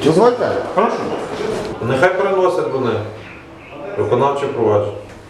Дозвольте? Хорошо. Нехай переносять вони. Виконавче провадження.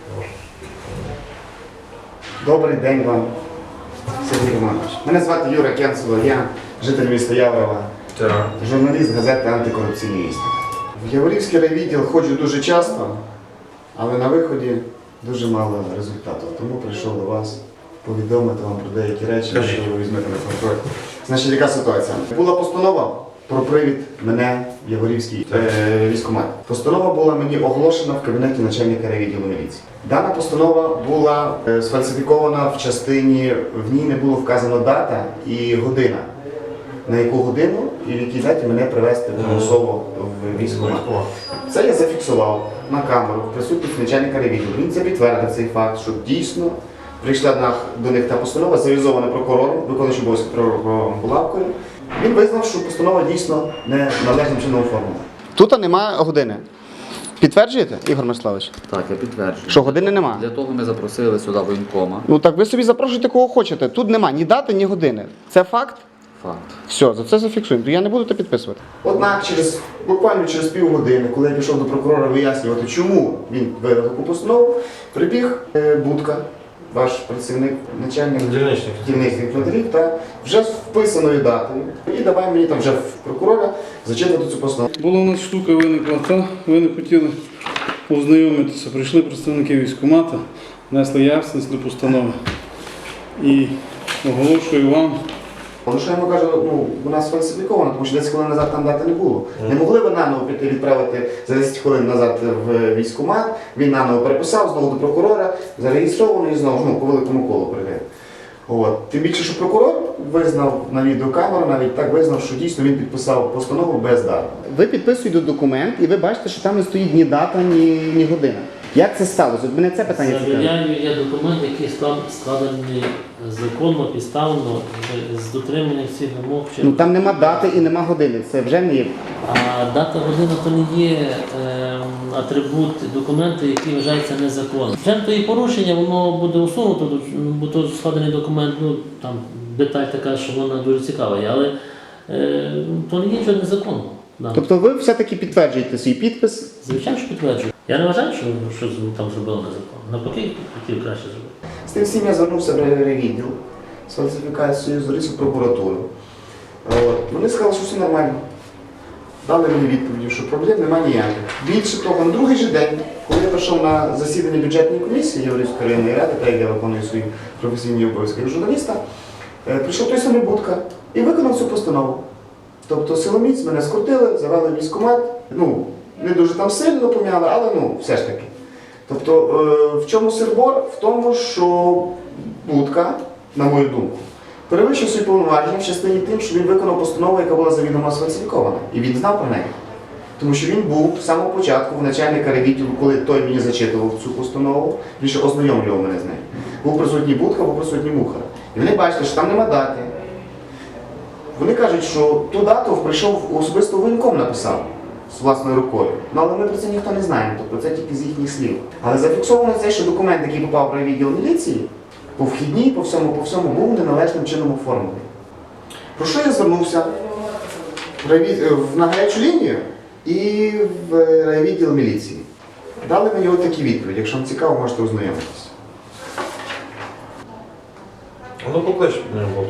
Добрий день вам, Сергій Романович. Мене звати Юра Кенцело, я житель міста Яворова, журналіст газети «Антикорупційний вісник». В Яворівський райвідділ ходжу дуже часто, але на виході дуже мало результатів. Тому прийшов до вас повідомити вам про деякі речі, що ви візьмете на контроль. Значить, яка ситуація? Була постанова про привід мене в Яворівський військкомат. Постанова була мені оголошена в кабінеті начальника райвідділу міліції. Дана постанова була сфальсифікована в частині, в ній не було вказано дата і година. На яку годину і в якій даті мене привезти примусово в військкомат. Це я зафіксував на камеру в присутності начальника райвідділу. Він це підтвердив цей факт, що дійсно прийшла до них та постанова, завізована прокурором, виконуючим обов'язки прокурором Булавкою. Він визнав, що постанова дійсно не належним чином оформлена. Тут немає години. Підтверджуєте, Ігор Мирославович? Так, я підтверджую. Що години нема? Для того ми запросили сюди воєнкома. Ну так ви собі запрошуйте кого хочете. Тут нема ні дати, ні години. Це факт? Факт. Все, за це зафіксуємо. То я не буду це підписувати. Однак, буквально через півгодини, коли я пішов до прокурора вияснювати, чому він видав таку постанову, прибіг Будка, ваш працівник, начальник дільничних інфантерів, та вже з вписаною датою. І давай мені там вже в прокурора зачитувати цю постанову. Була у нас штука виникла та, ви не хотіли ознайомитися. Прийшли представники військкомату, внесли ясність до постанови. І оголошую вам. Ну, що я йому кажу, вона сфальсифікована, тому що 10 хвилин назад там дати не було. Не могли ви наново піти відправити за 10 хвилин назад в військкомат, він наново переписав, знову до прокурора, зареєстровано і знову по великому колу прийде. Тим більше, що прокурор визнав на відеокамеру, навіть так визнав, що дійсно він підписав постанову без дати. Ви підписуєте документ і ви бачите, що там не стоїть ні дата, ні година. Як це сталося? От мене це питання цікавить. Завіряю, є документ, який складений законно, підставно, з дотриманням всіх вимог. Ну там нема дати і нема години, це вже не є. А дата година то не є атрибут документу, який вважається незаконним. Вже то і порушення, воно буде усунуто, бо то складений документ, там деталь така, що вона дуже цікава, але то не є нічого незаконного. Да. Тобто ви все-таки підтверджуєте свій підпис? Звичайно, що підтверджую. Я не вважаю, що там зробили незаконно. Навпаки, хотів краще зробити. З тим всім я звернувся в райвідділ з фальсифікацією, звернувся в прокуратуру. Вони сказали, що все нормально. Дали мені відповіді, що проблем немає ніяких. Більше того, на другий же день, коли я прийшов на засідання бюджетної комісії Яворівської районної ради, так як я виконую свої професійні обов'язки як журналіста, прийшов той самий Будка і виконав цю постанову. Тобто силоміць мене скрутили, завели в військкомат, не дуже там сильно пом'яли, але все ж таки. Тобто в чому сир-бор? В тому, що Будка, на мою думку, перевищив свої повноваження в частині тим, що він виконав постанову, яка була завідомо сфальсифікована. І він знав про неї. Тому що він був з самого початку в начальника райвідділу, коли той мені зачитував цю постанову, більше ознайомлював мене з нею. Був присутній Будка, був присутній Мухар. І вони бачили, що там нема дати. Вони кажуть, що ту дату прийшов особисто воєнком написав з власною рукою. Але ми про це ніхто не знаємо, тобто це тільки з їхніх слів. Але зафіксовано це, що документ, який попав в райвідділ міліції, по вхідній, по всьому був неналежним чином оформлений. Про що я звернувся? На гарячу лінію і в райвідділ міліції. Дали мені от такі відповіді. Якщо вам цікаво, можете ознайомитися. Ну, поклич мене Волку.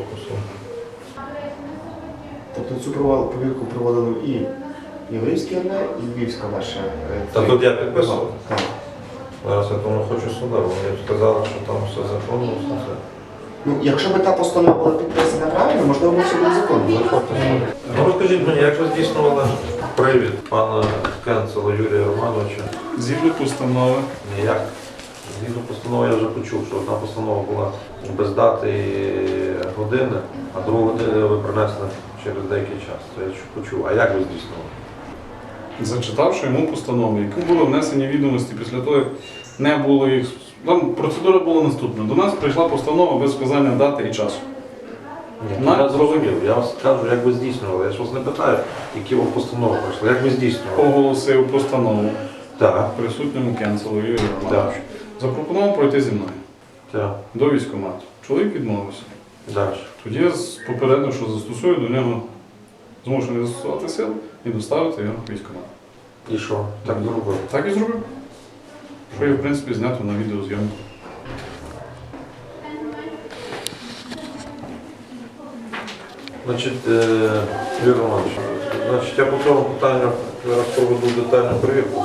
Тобто цю повірку проводили і Яворівський РН, і Львівська ваша. Та тут я підписував. Так. Зараз я тому хочу сюди, вони сказали, що там все законно, все. Якщо б та постанова була підписана правильно, можливо, все буде законно. Ну, розкажіть мені, як ви здійснювали привід пана Кенцела Юрія Романовича? Згідно постанови. Ніяк. Згідно постанови я вже почув, що одна постанова була без дати і години, а другу годину ви принесли через деякий час. Це я почув. А як ви здійснювали? Зачитавши йому постанову, які були внесені відомості після того, як не було їх. Там процедура була наступна. До нас прийшла постанова без вказання дати і часу. Я зрозумів. Я вас кажу, як ви здійснювали. Я ж вас не питаю, які ви постанови пройшли. Як ви здійснювали? Оголосив постанову Так. присутньому Кенцелу Юрію Романовичу. Запропонував пройти зі мною до військкомату. Чоловік відмовився. Далі. Тоді я попередив, що застосую до нього змушений застосувати сил і доставити його в військкомат. І що? Так зробив. Так і зробив. Що є, в принципі, знято на відеозйомку. Значить, Юрій Романович, значить, я по цьому питанню зараз проведу детальну перевірку.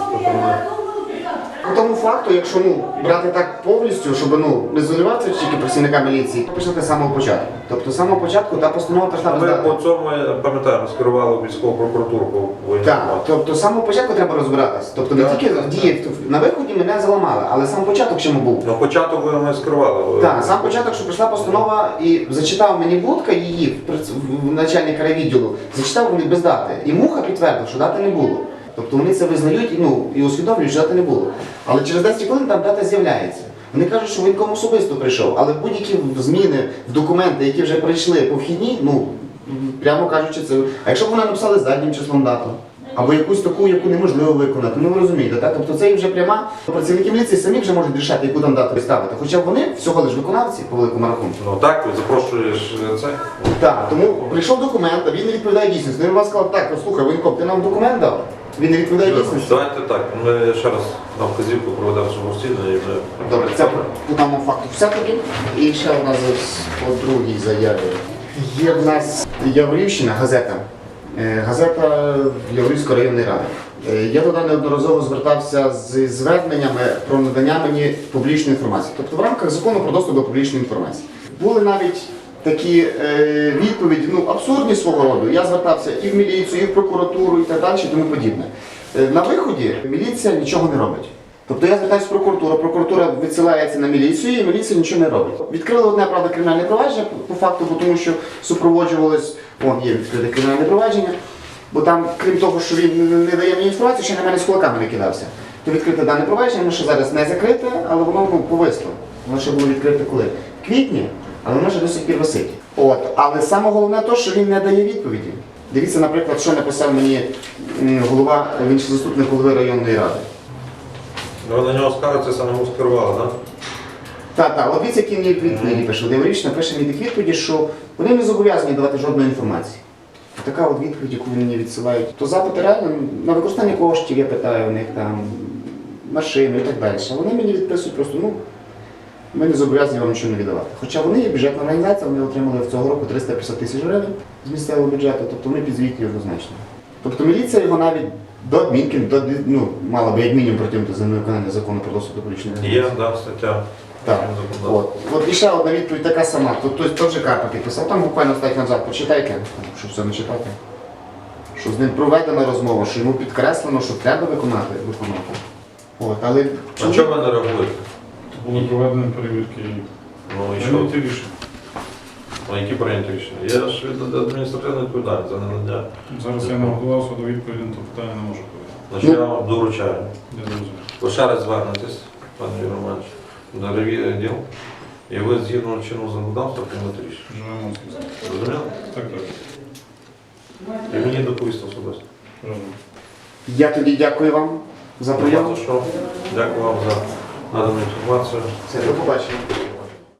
По тому факту, якщо брати так повністю, щоб не заливати тільки працівника міліції, почати з самого початку. Тобто з самого початку та постанова прийшла Ми роздати. по цьому, я пам'ятаю, скерували в військову прокуратуру по воєнній Так, інформації. тобто з самого початку треба розбиратися. Тобто не Так. тільки дії на виході мене заламали, але сам початок чому був. Ну, початок ми скерували. Так, сам початок, що прийшла постанова і зачитав мені Будка її, начальника райвідділу, зачитав мені без дати. І Муха підтвердив, що дати не було. Тобто вони це визнають і усвідомлюють, що дати не було. Але через 10 хвилин там дата з'являється. Вони кажуть, що воєнком особисто прийшов, але будь-які зміни в документи, які вже прийшли по вхідній, прямо кажучи, це. А якщо б вони написали заднім числом дату, або якусь таку, яку неможливо виконати, ви розумієте, так? Тобто це вже пряма. Працівники міліції самі вже можуть рішати, яку там дату ставити. Хоча вони всього лиш виконавці по великому рахунку. Ну так, ти запрошуєш це. Так, тому прийшов документ, а він не відповідає дійсності. Він вам сказав, так, слухай, воєнком, ти нам документ дав? Він не відповідає дійсності. Давайте так, ми ще раз нам вказівку проведемо самостійно і вже... Добре, це по тому факту все-таки. І ще у нас по другій заяві. Є в нас Яворівщина, газета. Газета Яворівської районної ради. Я туди неодноразово звертався з зверненнями про надання мені публічної інформації. Тобто в рамках закону про доступ до публічної інформації. Були навіть такі відповіді, абсурдні свого роду. Я звертався і в міліцію, і в прокуратуру, і так далі, і тому подібне. На виході міліція нічого не робить. Тобто я звертаюся в прокуратуру, прокуратура відсилається на міліцію, і міліція нічого не робить. Відкрили одне, правда, кримінальне провадження по факту, тому що супроводжувалось, є відкрите кримінальне провадження, бо там, крім того, що він не дає мені інформацію, ще на мене з кулаками не кидався. То відкрите дане провадження, воно ще зараз не закрите, але воно повисло. Воно ще було відкрите коли? В квітні, але воно ще до сих пір висить. Але саме головне те, що він не дає відповіді. Дивіться, наприклад, що написав мені він ще заступник голови районної ради. Ви на нього скажете, самому скерували, так? Так, от дивіться, які мені відповіді пише. Володимирівич пише мені такі відповіді, що вони не зобов'язані давати жодної інформації. Така от відповідь, яку вони мені відсилають. То запити реально на використання коштів, я питаю у них там, машини і так далі. А вони мені відписують просто, ми не зобов'язані вам нічого не віддавати. Хоча вони є бюджетна організація, вони отримали цього року 350 тисяч гривень з місцевого бюджету, тобто вони підзвітні однозначно. Тобто міліція його навіть до адмінки, мала би як мінімум притягнути за невиконання закону про доступ до публічної інформації. Є, стаття. Так. От і ще одна відповідь така сама. Тобто вже Карпа підписав, там буквально стать назад, почитайте, щоб все не читати. Що з ним проведена розмова, що йому підкреслено, що треба виконати. Але А чого ви не реагуєте? Були проведені перевірки Ну і і що? прийняті рішення. Ну, які прийняті рішення? Є ж адміністративна відповідальність за ненадання. Зараз я не готувався до відповіді на то питання, не можу powiedziати. Значить, я вам доручаю. Не зрозумів. Ви ще раз звернетесь, пане Юрій Романович, до ревідділ, і ви згідно чинного законодавства приймете рішення. Живемо з ким. Розуміли? Так. І мені доповісти особисто. Розумію. я тоді дякую вам за прийом. Дякую вам за надану інформацію. Все, до побачення.